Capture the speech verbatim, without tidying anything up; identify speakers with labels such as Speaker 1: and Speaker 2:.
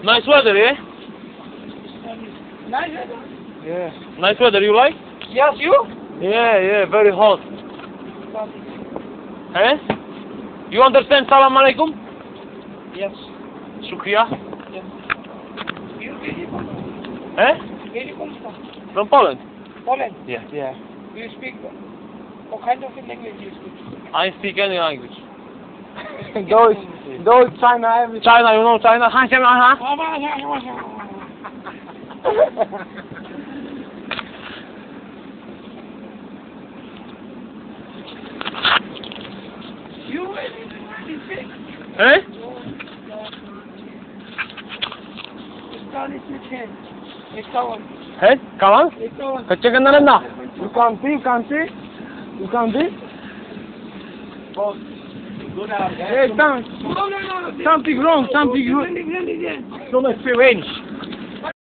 Speaker 1: Nice weather, yeah?
Speaker 2: Nice weather.
Speaker 1: Yeah. Nice weather, you like?
Speaker 2: Yes, you?
Speaker 1: Yeah, yeah, very hot. Eh? You understand Salam Alaikum?
Speaker 2: Yes.
Speaker 1: Shukriya?
Speaker 2: Yes. You really from?
Speaker 1: Eh?
Speaker 2: Where you come from?
Speaker 1: From Poland?
Speaker 2: Poland.
Speaker 1: Yeah. Yeah.
Speaker 2: Do you speak? What kind of language do you speak?
Speaker 1: I speak any language.
Speaker 2: Deutsch, Deutsch, China, everything.
Speaker 1: China, you know China? Ha, China, ha?
Speaker 2: You really, really speak?
Speaker 1: Eh? Hey, come on. Kaçacak yanlarında.
Speaker 2: You can see, you can see. You can see. Hey, Sam. Something wrong, something wrong.
Speaker 1: Too much French.